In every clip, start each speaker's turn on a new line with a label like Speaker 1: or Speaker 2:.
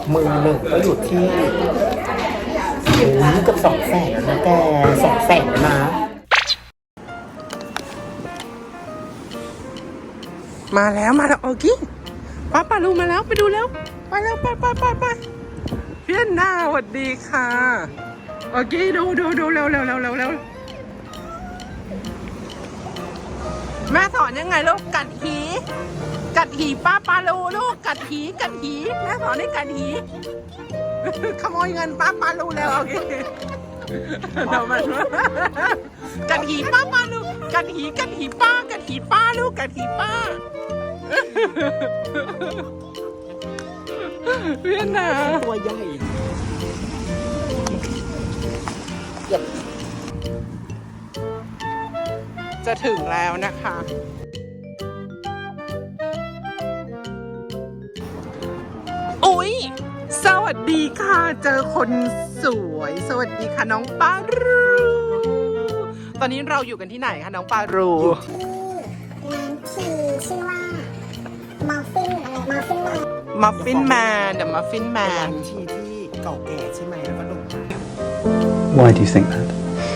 Speaker 1: มือหนึ่งก็อยู่ที่เกือบ200,000แล้วนะแก200,000แล้วนะ
Speaker 2: มาแล้วโอกี้ป้าลูมาแล้วไปดูแล้วไปแล้วไปเพื่อนหน้าสวัสดีค่ะโอกี้ดูเร็วแม่สอนยังไงลูกกัดหีป้าลูลูกกัดหีแม่สอนให้กัดหีขโมยเงินป้าลูแล้วโอเคเรามันกัดหีป้าลูกัดหีป้าลูกกัดหีป้าเพื่อนนะ
Speaker 1: ตัวใหญ่
Speaker 2: จะถึงแล้วนะคะอุ๊ยสวัสดีค่ะเจอคนสวยสวัสดีค่ะน้องปารูตอนนี้เราอยู่กันที่ไหนคะน้องปารู
Speaker 3: ร้านที่ชื่อว่ามัฟฟินแมน
Speaker 2: The Muffin
Speaker 1: ร้า
Speaker 2: Man
Speaker 1: นที่เก่าแก่ใช่ไหมแล้วก็โด่งดัง
Speaker 4: Why do you think that?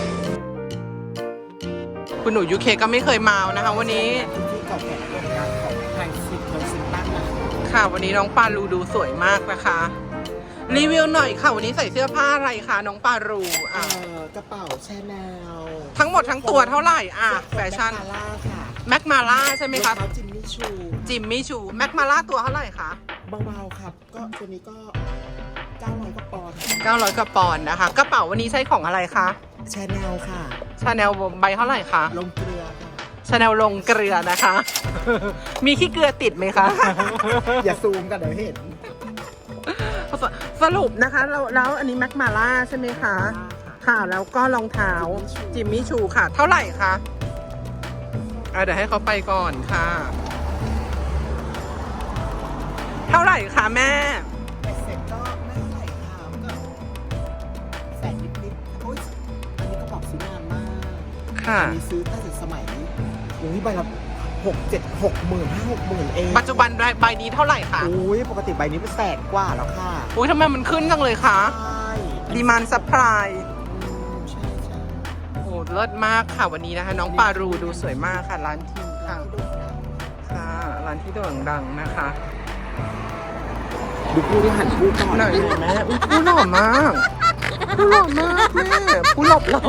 Speaker 2: คุณหนูยูเคก็ไม่เคยมานะคะวันนี้
Speaker 1: ที่เก่าแก่โด่งดังของไทยซินตั้งนะคะ
Speaker 2: ค่ะวันนี้น้องปารูดูสวยมากนะคะรีวิวหน่อยค่ะวันนี้ใส่เสื้อผ้าอะไรคะน้องปารู
Speaker 1: กระเป๋าแชนแนล
Speaker 2: ทั้งหมดทั้งตัวเท่าไหร่แฟชั่น
Speaker 1: แม็กมาล่าค่ะ
Speaker 2: แม็กมาล่าใช่ไหมคะ
Speaker 1: จิมมี่ชู
Speaker 2: แม็กมาล่าตัวเท่าไหร่คะ
Speaker 1: เบาๆครับก็ตัวนี้ก็900กว่าปอนด์
Speaker 2: 900กว่าปอนด์นะคะกระเป๋าวันนี้ใช้ของอะไรคะ
Speaker 1: แชนแนลค่ะ
Speaker 2: ชาแนลใบเท่าไหร่คะ
Speaker 1: ลงเกลือค่ะ
Speaker 2: ชาแนลลงเกลือนะคะ มีขี้เกลือติดไหมคะ
Speaker 1: อย่าซูมกันเดี๋ยวเห็น
Speaker 2: สรุปนะคะแล้วอันนี้แม็กมาล่าใช่ไหมคะค่ะแล้วก็รองเท้าจิมมี่ชูค่ะเท่าไหร่คะเดี๋ยวให้เขาไปก่อนค่ะเท่าไหร่คะแม่
Speaker 1: เสร็จก็ไม่ใส่ค่ะก็แสนนิดๆโอ้ยอันนี้ก็บอกซื้อนานมาก
Speaker 2: ค่ะ
Speaker 1: อันนี้ซื้อตั้งแต่สมัยใบละ60,000 เอง
Speaker 2: ปัจจุบันใบนี้เท่าไหร่คะ
Speaker 1: ปกติใบนี้เป็น100,000 กว่าแล้วค่ะ
Speaker 2: ทำไมมันขึ้นจังเลยคะ
Speaker 1: ใช่
Speaker 2: ดีมานด์ซัพพลาย
Speaker 1: ใช่
Speaker 2: โอ้เลิศมากค่ะวันนี้นะคะน้องปารูดูสวยมากค่ะร้านทีค่ะค่ะร้านที่โด่งดังนะคะ
Speaker 1: ดูผู้ที่หันผู้ก่อน
Speaker 2: หน่อยแม่ผู้หล่อมากแม่ผู้หลบเรา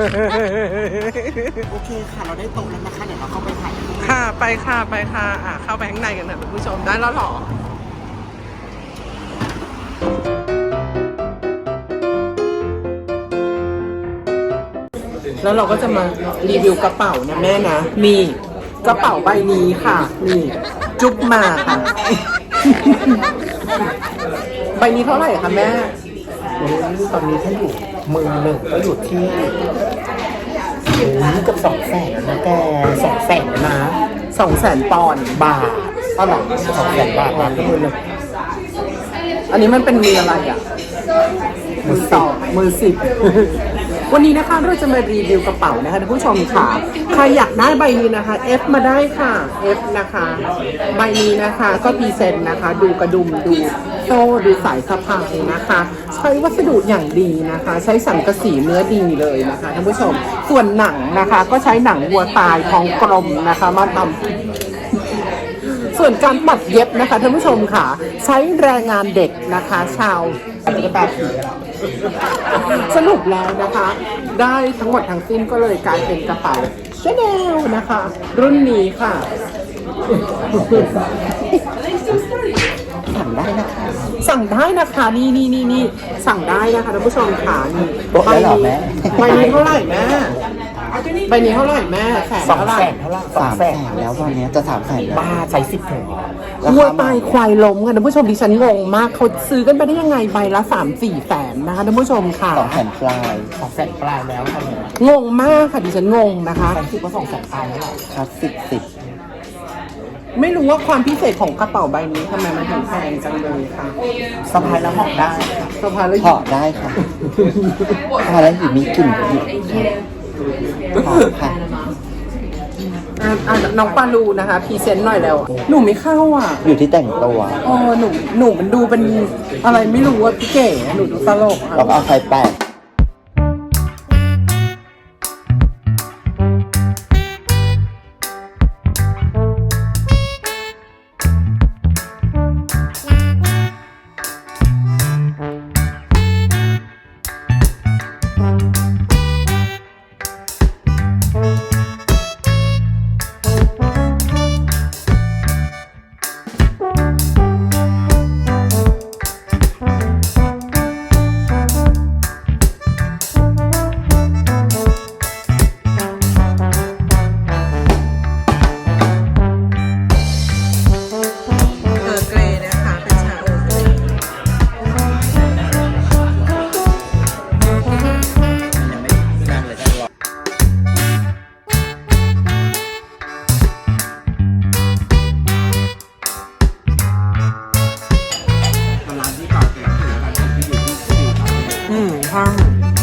Speaker 1: โอเคค่ะเราได้โต๊ะแล้วนะคะเดี๋ยวเราเข้าไปถ่าย
Speaker 2: ค่ะไปค่ะเข้าไปข้างในกันนะคุณผู้ชมได้แล้วหรอแล้วเราก็จะมารีวิวกระเป๋านะแม่นะนี่กระเป๋าใบนี้ค่ะนี่จุ๊บมาค่ะ ใบนี้เท่าไหร่คะแม่
Speaker 1: ตอนนี้ถ้าอยู่มือหนึ่งก็อยู่ที่เกือบ200,000แล้วนะแก200,000แล้วนะ
Speaker 2: 200,000 ปอนด์
Speaker 1: บาทเท่าไหร่200,000 บาทนะมือหนึ่ง
Speaker 2: อันนี้มันเป็นมืออะไรมือสิบวันนี้นะคะเราจะมารีวิวกระเป๋านะคะท่านผู้ชมค่ะใครอยากได้ใบนี้นะคะ F มาได้ค่ะ F นะคะใบนี้นะคะก็พรีเซนต์นะคะดูกระดุมดูโซ่ดูสายสะพายนะคะใช้วัสดุอย่างดีนะคะใช้สังกะสีเนื้อดีเลยนะคะท่านผู้ชมส่วนหนังนะคะก็ใช้หนังวัวตายทองกลมนะคะมาทำส่วนการปัดเย็บนะคะท่านผู้ชมค่ะใช้แรงงานเด็กนะคะชาวตุ๊กตาผีสรุปแล้วนะคะได้ทั้งหมดทั้งสิ้นก็เลยกลายเป็นกระเป๋าชาแนลนะคะรุ่นนี้ค่ะ
Speaker 1: สั่งได้นะคะ
Speaker 2: นี่สั่งได้นะคะท่านผู้ชมค่ะนี่
Speaker 1: ใบ
Speaker 2: นี้เท่าไหร่แม่ใบนี้เท่าไหร่แม่แสนเท่าไหร่
Speaker 1: 200,000แล้วตอนนี้จะ300,000บ้าใช้10 ถุง
Speaker 2: วัวตายควายล้มกันท่านผู้ชมดิฉันงงมากเขาซื้อกันไปได้ยังไงใบละ 3-4 แสนนะคะท่านผู้ชมค่ะ
Speaker 1: 200,000 ปลาย200,000 ปลายแล้วค่ะ
Speaker 2: งงมากค่ะดิฉันงงนะคะ
Speaker 1: 10ก็200,000 ปลายแล้วครับ10
Speaker 2: ไม่รู้ว่าความพิเศษของกระเป๋าใบนี้ทำไมมันถึงแพงจังเลยค่ะ
Speaker 1: สะพายแล้วห่อได้
Speaker 2: สะพายแล้ว
Speaker 1: ห่อได้ค่ะสะพายแล้วอยู่มีกลิ่นอยู่ค่ะ
Speaker 2: น้องปาลูนะคะพรีเซนต์หน่อยแล้ว หนูไม่เข้าอ่ะ
Speaker 5: อยู่ที่แต่งตัว
Speaker 2: หนูมันดูเป็นอะไรไม่รู้อ่ะพี่เก๋หนูดูตลกอ่ะ
Speaker 5: เราก็เอาไฟแปด
Speaker 2: เกรย์นะคะเป็นชาโอเกรย์
Speaker 5: ยังไม่นั่งเลยนั่งรอ
Speaker 2: ห้าง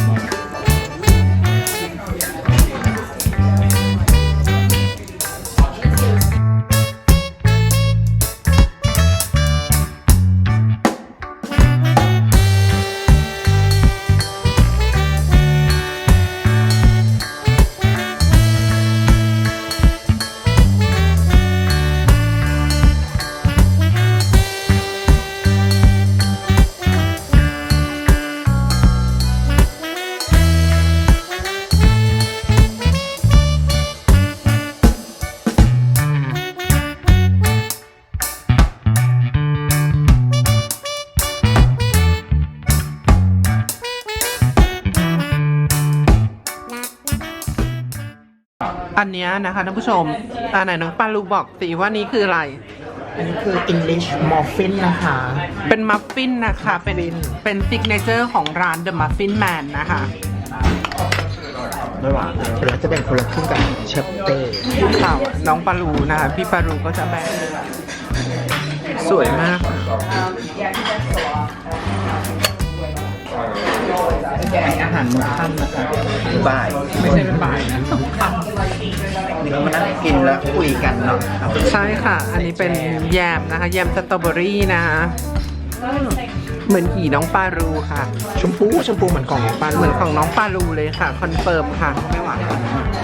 Speaker 2: อันเนี้ยนะคะท่านผู้ชมไหนน้องปาลูบอกสิว่านี้คืออะไร
Speaker 1: อันนี้คือ English Muffin นะคะ
Speaker 2: เป็นมัฟฟินนะคะ เป็นซิกเนเจอร์ของร้าน The Muffin Man นะคะ
Speaker 1: ไม่หวานแล้วจะแบ่งคนละครึ่งกับเชฟเต้
Speaker 2: ข่าวน้องปาลูนะคะพี่ปาลูก็จะแบ่งสวยมากค่ะ
Speaker 5: อาหารมื้อค่ำนะคะบ่าย
Speaker 2: ไม่ใช่เป็นบ่ายนะ
Speaker 5: เรามานั่งกินแล้วคุยกันเนาะ
Speaker 2: ใช่ค่ะ อันนี้เป็นแยมนะคะแยมสตรอเบอรี่นะคะเหมือนขี่น้องปาลูค่ะ
Speaker 1: ชมพูเหมือนกล่องของป้า
Speaker 2: เหมือนของน้องปาลูเลยค่ะคอนเฟิร์มค่ะ
Speaker 1: ไม่หวานชอบ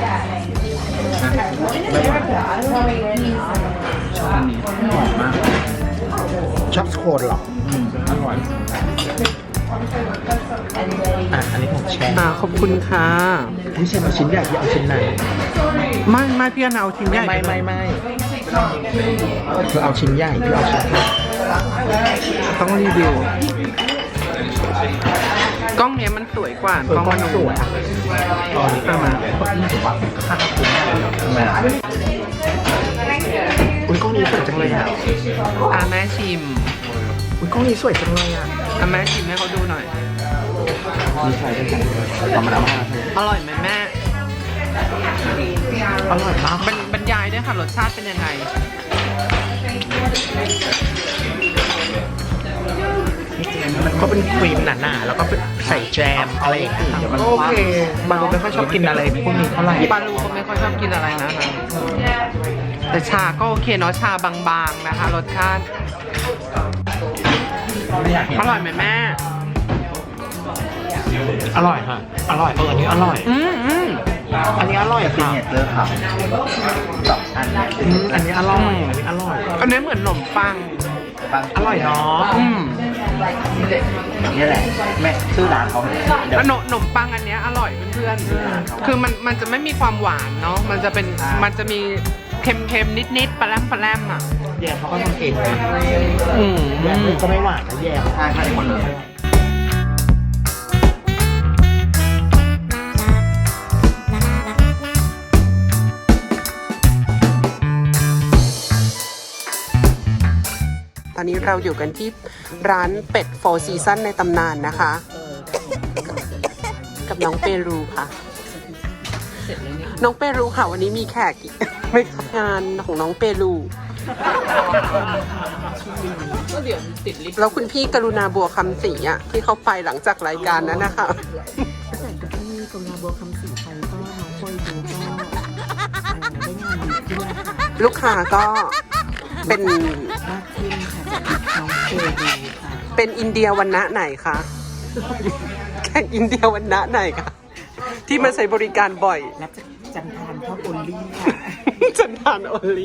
Speaker 1: อันนี้หอมมากชอบสโคนเหรออร่อยอันนี้ของแชร์
Speaker 2: ขอบคุณค่ะ
Speaker 1: พี่เชนเอาชิ้นใหญ่พี่เอาชิ้นไหน
Speaker 2: ไม่พี่เอาชิ้นใหญ่ไปเลย
Speaker 1: ไม่เธอเอาชิ้นใหญ่พี่เอาชิ้นเล็ก
Speaker 2: ต้องรีวิวกล้องเนี้ยมันสวยกว่ากล้องมันสวย
Speaker 1: ตอนนี้
Speaker 2: เอามา
Speaker 1: ยิ่งกว่าค่าคุ้มทำไมอุ้ยกล้องนี้สวยจังเลยอ่ะ
Speaker 2: แม่ชิม
Speaker 1: อุ้ยกล้องนี้สวยจังเลยอ่ะ
Speaker 2: แม่ชิมให้เขาดูหน่อย
Speaker 1: มีใครด้วยกันต่อมาแล้วมา
Speaker 2: อร่อยไหมแม่
Speaker 1: อร่อยมาก
Speaker 2: บรรยายด้วยค่ะรสชาติเป็นยังไง
Speaker 1: มันก็เป็นครีมหนาๆแล้วก็ใส่แจมอะไรอย่างเงี้ยโอเคบางคนไม่ค่อยชอบกินอะไรพวกนี้เท่าไหร่
Speaker 2: ปาลูก็ไม่ค่อยชอบกินอะไรนะคะแต่ชาก็โอเคเนาะชาบางๆนะคะรสชาติอร่อยไหมแม่
Speaker 1: อร่อยค่ะอร่อยอันนี้อร่อย อันนี้อร่อย
Speaker 5: ซิง
Speaker 1: ค่ะ
Speaker 5: เนเจอร์ค่ะ2 อัน
Speaker 1: อันนี้อร่อยอันนี้อร่อย
Speaker 2: อันนี้เหมือนขนมปัง
Speaker 1: อร่อยเนาะ
Speaker 5: นี่แหละแม่ชื่อร้านเขาเดี๋ยว
Speaker 2: ขนมปังอันเนี้ยอร่อยเพื่อนๆคือมันจะไม่มีความหวานเนาะมันจะมีเค็มๆนิดๆปลาแรมอ่ะ
Speaker 1: แยมเขาก็ทำเองนะ
Speaker 2: แย
Speaker 1: แยมก็ไม่หวานนะแยม
Speaker 5: ใช่ค่ะทุกคนเลย
Speaker 2: ตอนนี้เราอยู่กันที่ร้านเป็ดโฟร์ซีซั่นในตำนานนะคะ กับน้องเปรูค่ะ น้องเปรูค่ะวันนี้มีแขกอีกไม่ทำงานของน้องเปรูแล้วคุณพี่กรุณาบัวคำศรีอ่ะที่เขาไปหลังจากรายการนั้นนะคะ
Speaker 6: แต่ที่กรุณาบัวคำศรีไปก็น้องโฟยดูก็ได้งานดี
Speaker 2: ลูกค้าก็เป็น
Speaker 5: มากขึ้นค่ะจากน้องเจดีค่ะ
Speaker 2: เป็นอินเดียวันณะไหนคะ แข่งอินเดียวันณะไหนคะ ที่มาใช้บริการบ่อย
Speaker 5: รับจากจันทานพ่อบุลลี่ค่ะ
Speaker 2: จันทานโอลี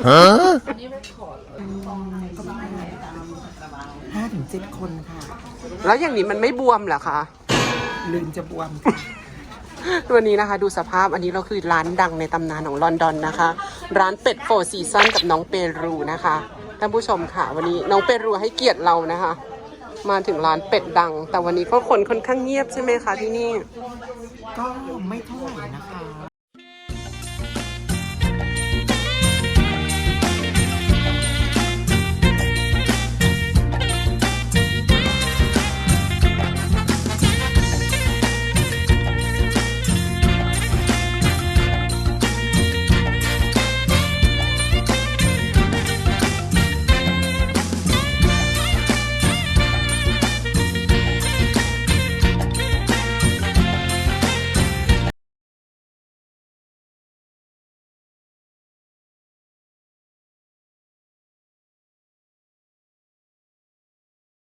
Speaker 5: 5-7 คนค่ะ
Speaker 2: แล้วอย่างนี้มันไม่บวมเหรอคะ
Speaker 5: ลืมจะบวมค่ะ
Speaker 2: วันนี้นะคะดูสภาพอันนี้เราคือร้านดังในตำนานของลอนดอนนะคะ ร้านเป็ดโฟร์ซีซันกับน้องเปรูนะคะท่านผู้ชมค่ะ วันนี้น้องเปรูให้เกียรติเรานะคะ มาถึงร้านเป็ดดัง แต่วันนี้ก็คนค่อนข้างเงียบใช่ไหมคะที่นี่
Speaker 5: ก็ไม่เท่าไหร่นะคะ